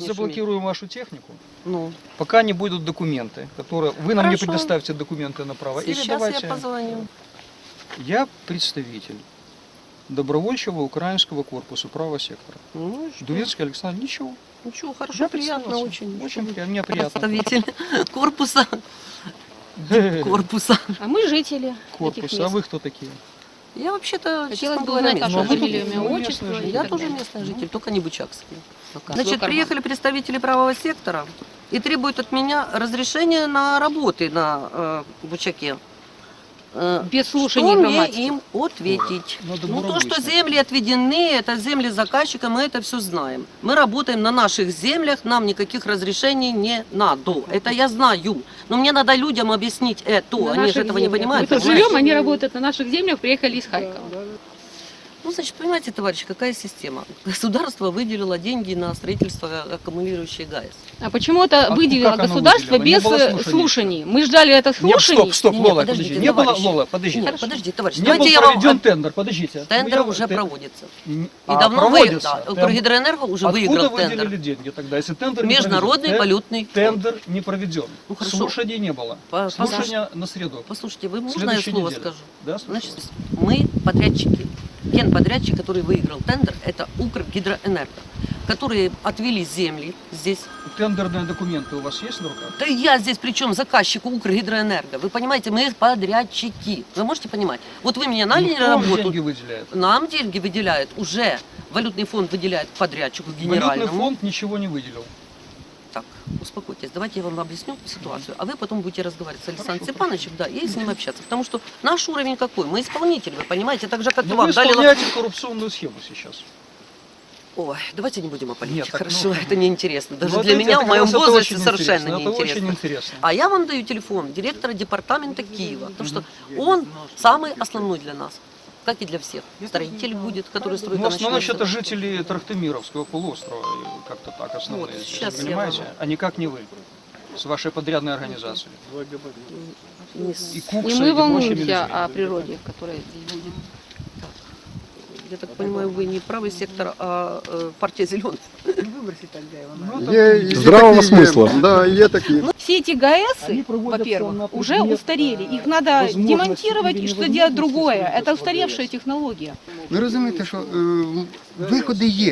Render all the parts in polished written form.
заблокируем вашу технику, Ну, пока не будут документы, которые... Вы нам не Хорошо. предоставите документы на право. Или сейчас давайте... я позвоню. Я представитель добровольчего украинского корпуса правого сектора. Ну, и что? Дурецкий Александр, ничего. Ничего, хорошо, Я приятно представился. очень. Очень приятно, мне приятно. Представитель корпуса. Корпуса. А мы жители этих Корпус. мест. А вы кто такие? Я вообще-то, Хотелось честно бы говоря, узнать вашу Ну, а вы фамилию, тут- имя, вы отчество. местный житель. и Я так тоже далее. местный житель, только не бычакский. Пока. Свой Значит, карман. приехали представители правого сектора и требуют от меня разрешения на работы на Бучаке. Без Что слушания мне громадских. им ответить? Надо Ну, то, что буровые земли отведены, это земли заказчика, мы это все знаем. Мы работаем на наших землях, нам никаких разрешений не надо. Это я знаю. Но мне надо людям объяснить это. На Они же наших этого не землях. понимают. Мы тут понимаете? живем, они работают на наших землях, приехали из Харькова. Ну, значит, понимаете, товарищи, какая система? Государство выделило деньги на строительство аккумулирующей ГАЭС. А почему это выделило как оно государство выделило? Не без было слушаний. слушаний? Мы ждали это Нет, слушаний. стоп, Не, Лола, подождите, подожди. Не было, товарищ. Лола, подожди. Нет, подожди, товарищ, Не давайте был я вам... проведен тендер, подождите. Тендер Ну, уже я- проводится. И И давно проводится. выиграл. Укргидроэнерго уже Откуда выиграл выделили тендер. деньги тогда, если тендер не Международный проведен? валютный фонд. Тендер не проведен. Ну, хорошо. Слушаний не было. Слушания на среду. Послушайте, вы можно я Следующей слово неделе. скажу? Да, слушаю. Значит, мы подрядчики. Генподрядчик, который выиграл тендер, это Укргидроэнерго, которые отвели земли здесь. Тендерные документы у вас есть на руках? Да я здесь причем заказчик Укргидроэнерго. Вы понимаете, мы подрядчики. Вы можете понимать? Вот вы меня наняли Кто на вам работу. деньги выделяет? Нам деньги выделяют уже. Валютный фонд выделяет подрядчику Валютный генеральному. фонд ничего не выделил. Так, успокойтесь, давайте я вам объясню ситуацию, а вы потом будете разговаривать с Александром Степановичем, да, и с ним общаться. Потому что наш уровень какой? Мы исполнители, вы понимаете, так же, как и Но вам. вы Дали... исполняете коррупционную схему сейчас. Ой, давайте не будем о политике, Нет, так, хорошо, ну, это неинтересно. Даже Вот для видите, меня это в моем как раз это возрасте очень совершенно интересно, это очень неинтересно. интересно. А я вам даю телефон директора департамента Киева, потому что он самый основной для нас, как и для всех. Строитель будет, который строит. Ну, в основном это жители Трахтимировского полуострова, как-то так основные, Вот, здесь, сейчас я понимаете? вам- А никак не вы, с вашей подрядной организацией. И Кукса, И и мы прочими волнуемся людьми. о природе, которая здесь будет. Я так понимаю, вы не правый сектор, а партия зеленых. Здравого смысла. Да, є такі. Все эти ГАЭСы, Они проводятся на во-первых, уже предмет, устарели. Их надо возможности демонтировать или и что невозможности делать другое. строительства Это устаревшая ГАЭС. технология. Ви розумієте, що виходи є.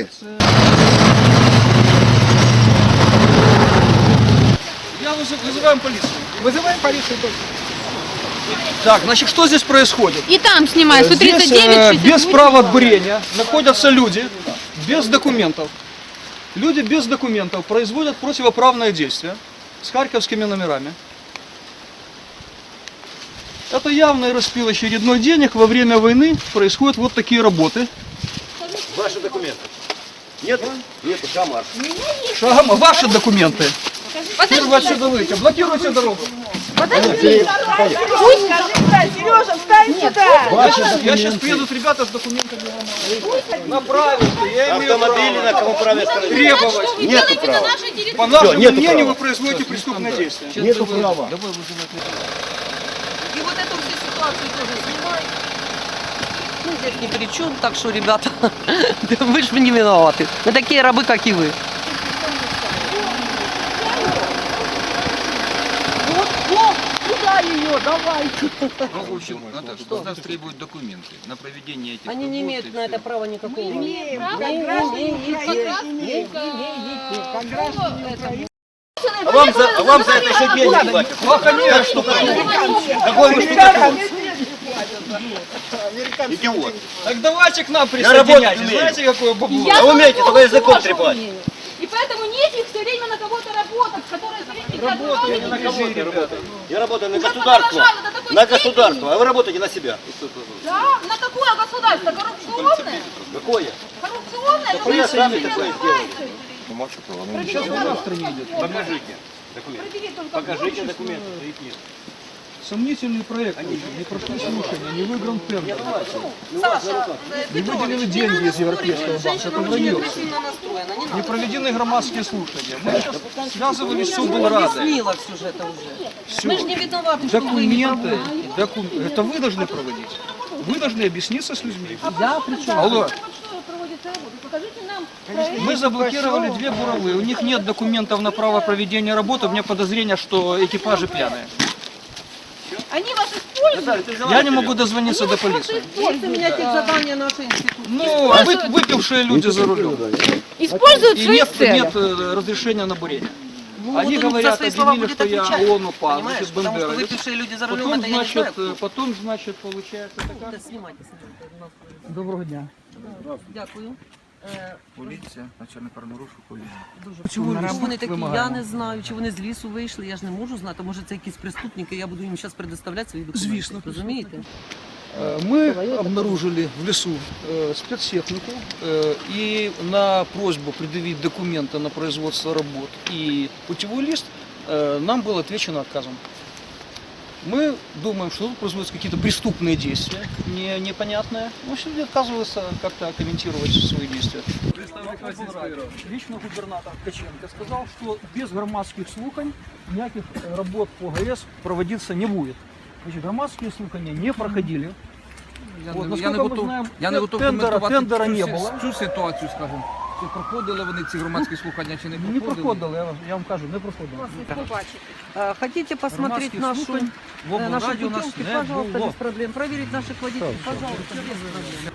Я вызываем полицию. Вызываем полицию. Так, значит, что здесь происходит? И там снимай, Здесь 139, без права бурения находятся люди без документов. Люди без документов производят противоправное действие с харьковскими номерами. Это явный распил очередной денег. Во время войны происходят вот такие работы. Ваши документы. Нет? Нет, шамар. Шагом, ваши документы. Теперь вы отсюда выйдете. Блокируйте дорогу. Сережа, встань сюда! Я сейчас приедут ребята с документами. Направить, я имею Автомобили на кому праве стороне. требовать. Нету права. По нашему нету мнению, права. вы производите преступное действие. Нету права. И вот эту всю ситуацию тоже снимай. Мы здесь ни при чем, так что, ребята, вы же не виноваты. Мы такие рабы, как и вы. Куда ее? Давай! Ну, в общем, что нас требуют документы на проведение этих Они не работ имеют и на всё. это права никакого. Имеем, как граждане Украины. Как граждане Украины. А вам за это еще деньги платят. Ну, конечно. Какой вы штука? Идиот. Так давайте к нам Я работать присоединяйтесь. умею. Знаете, какое бабло? А вы умеете только языком трепать. И поэтому нефиг все время на кого-то работать, которые Работаю не на кого, ребята. Я работаю на государство. На государство. А вы работаете на себя. Да, на какое государство? Коррупционное? Какое? Коррупционное? Да вы сами такое сделали. Сейчас война в стране идет. Покажите документы. Покажите документы. Сомнительный проект. Не прошли слушания, не выигран тендер. Саша, Не выделены деньги из Европейского банка. Это вранье. агрессивно настроена, не Не надо. проведены громадские слушания. Мы сейчас связывались с облрадой. Объяснила все же это уже. Мы же не виноваты, что вы не Документы. Это вы должны проводить. Вы должны объясниться с людьми. Я причем? Алло. проводится работа. Покажите нам проект. Мы заблокировали 2 буровые. У них нет документов на право проведения работы. У меня подозрение, что экипажи пьяные. Они вас используют. Я не могу дозвониться до полиции. Есть у меня задания нашей институции. Ну, выпившие люди за рулем. Используют И свои нет, цели. нет разрешения на бурение. Ну, Они вот он говорят, за свои слова объявили, будет что я отвечать, ООН-УПА, понимаешь? значит, Потому что бандеровец. выпившие люди за рулем, Потом, это я не знаю. значит, получается, это как? Да, снимайте. Доброго дня. Дякую. Поліція, начальник правонарушення, поліція. Чому Чому ліс вони такі, я вимагаємо? не знаю, чи вони з лісу вийшли, я ж не можу знати. Може це якісь преступники, я буду їм зараз предоставляти свої документи. Звісно. Розумієте? Мы обнаружили в лесу спецтехнику и на просьбу предъявить документы на производство работ и путевой лист нам было отвечено отказом. Мы думаем, что тут производятся какие-то преступные действия, непонятные. Но все люди отказываются как-то комментировать свои действия. Лично губернатор Ткаченко сказал, что без громадских слухань никаких работ по ГАЭС проводиться не будет. Значит, громадские слухания не проходили. Я не готов тендера коментувати не було. цю ситуацію, скажімо. Чи проходили вони ці громадські слухання, чи не проходили? Не проходили, я вам кажу, не проходили. Хотите посмотреть Громадских нашу, слухань в облраді наши у нас путевки, не пожалуйста, було. без проблем. Проверить наших водителей, пожалуйста, без проблем.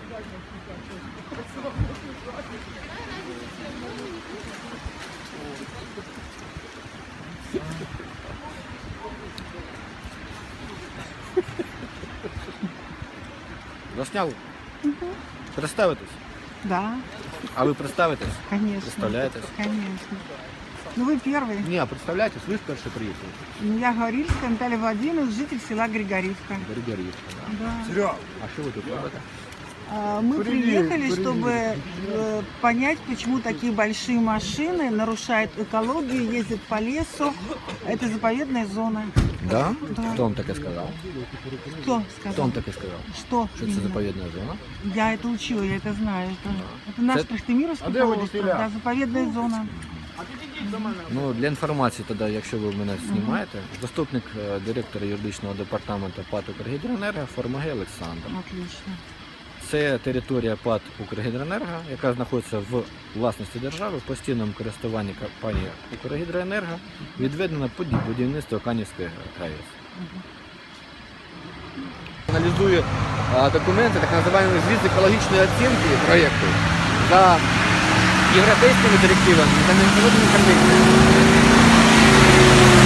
Засняли? Представитесь? Да, А вы представитесь? конечно. Представляетесь? Конечно. Ну вы первый. Не, представляетесь, вы вперше приїхали. Я Гаврильская Наталья Владимировна, житель села Григорьевка. Григорьевка, да. Да. А что вы тут робите? Мы приехали, чтобы понять, почему такие большие машины нарушают экологию, ездят по лесу. Это заповедная зона. Да? Да. Хто вам таке сказав? Кто Хто сказал? вам таке сказав? Что? Що це именно? заповідна зона? Я это учила, я это знаю. Это наш Это- Трахтимировский полуостров, да, заповедная зона. Ну, для інформації тоді, якщо ви мене знімаєте, заступник директора юридичного департаменту ПАТ «Укргідроенерго» Формагей Олександр. Отлично. Це територія ПАТ «Укргідроенерго», яка знаходиться в власності держави, в постійному користуванні компанії «Укргідроенерго», відведена під будівництво Канівської ГАЕС. Аналізує документи, так називаємо звіт екологічної оцінки проєкту за європейськими директивами та міжнародними конвенціями.